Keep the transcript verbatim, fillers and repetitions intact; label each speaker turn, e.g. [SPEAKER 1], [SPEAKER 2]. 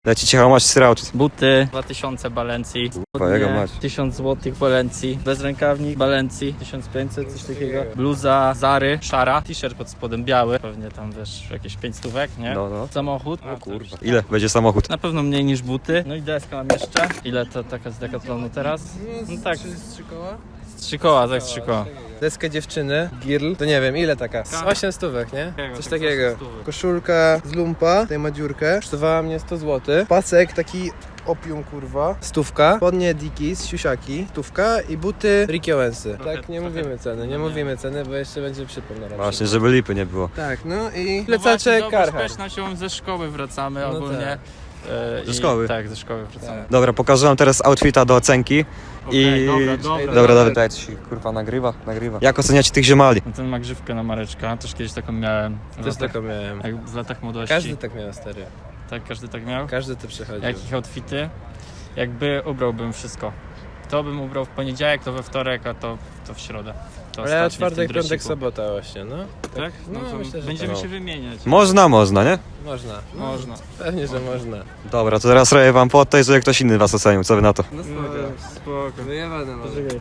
[SPEAKER 1] Lecicie how much throughout?
[SPEAKER 2] Buty dwa tysiące Balenci,
[SPEAKER 1] Twojego mać.
[SPEAKER 2] tysiąc złotych Balenci, bezrękawnik Balenci, tysiąc pięćset, coś takiego. Bluza Zary, szara, t-shirt pod spodem biały, pewnie tam wiesz jakieś pięć stówek, nie?
[SPEAKER 1] No, no.
[SPEAKER 2] Samochód.
[SPEAKER 1] O kurwa. Ile będzie samochód?
[SPEAKER 2] Na pewno mniej niż buty. No i deska mam jeszcze. Ile to taka z Decathlonu teraz? No tak,
[SPEAKER 3] Z trzy koła?
[SPEAKER 2] trzy koła, tak trzy koła.
[SPEAKER 3] Deskę dziewczyny, girl, to nie wiem ile taka, z osiem stówek, nie?
[SPEAKER 2] Takiego,
[SPEAKER 3] Coś
[SPEAKER 2] tak
[SPEAKER 3] takiego.
[SPEAKER 2] osiem stówek.
[SPEAKER 3] Koszulka z lumpa, tutaj ma dziurkę, kosztowała mnie sto złotych. Pasek taki opium kurwa, stówka, spodnie Dickies, siusiaki, stówka i buty Ricky Owensy.
[SPEAKER 2] Trochę-
[SPEAKER 3] Tak, nie
[SPEAKER 2] trochę-
[SPEAKER 3] mówimy ceny, nie
[SPEAKER 2] nie.
[SPEAKER 3] mówimy ceny, bo jeszcze będzie przypomnę na razie.
[SPEAKER 1] Właśnie, żeby lipy nie było.
[SPEAKER 3] Tak, no i
[SPEAKER 2] No
[SPEAKER 3] plecaczek
[SPEAKER 2] właśnie,
[SPEAKER 3] Carhartt.
[SPEAKER 2] też na siłą ze szkoły wracamy
[SPEAKER 3] No
[SPEAKER 2] ogólnie. E,
[SPEAKER 1] Ze
[SPEAKER 2] i-
[SPEAKER 1] szkoły?
[SPEAKER 2] Tak, ze szkoły wracamy.
[SPEAKER 1] Dobra, pokażę wam teraz outfita do ocenki.
[SPEAKER 2] Okej,
[SPEAKER 1] I...
[SPEAKER 2] dobra, dobra.
[SPEAKER 1] Dobra, dobra, daj ci kurwa nagrywa, nagrywa. Jak oceniacie tych ziomali?
[SPEAKER 2] No ten ma grzywkę na Mareczka, też kiedyś taką miałem. W
[SPEAKER 3] Też
[SPEAKER 2] latach,
[SPEAKER 3] taką miałem.
[SPEAKER 2] jak w latach młodości.
[SPEAKER 3] Każdy tak miał, stary.
[SPEAKER 2] Tak, każdy tak miał.
[SPEAKER 3] Każdy to przechodził.
[SPEAKER 2] Jakich outfity? Jakby ubrałbym wszystko. To bym ubrał w poniedziałek, to we wtorek, a to, to w środę. To
[SPEAKER 3] Ale ja
[SPEAKER 2] ostatnie w tym
[SPEAKER 3] czwartek, piątek,
[SPEAKER 2] dresiku.
[SPEAKER 3] sobota właśnie, no.
[SPEAKER 2] Tak? No,
[SPEAKER 3] No,
[SPEAKER 2] to
[SPEAKER 3] myślę, że
[SPEAKER 2] będziemy
[SPEAKER 3] tak.
[SPEAKER 2] się wymieniać.
[SPEAKER 1] Można, można, nie?
[SPEAKER 3] Można. No,
[SPEAKER 2] Można.
[SPEAKER 3] Pewnie, że można.
[SPEAKER 1] Dobra, to teraz robię wam po tej, żeby ktoś inny was ocenił. Co wy na to?
[SPEAKER 3] No
[SPEAKER 2] Spoko.
[SPEAKER 3] Wyjebane może.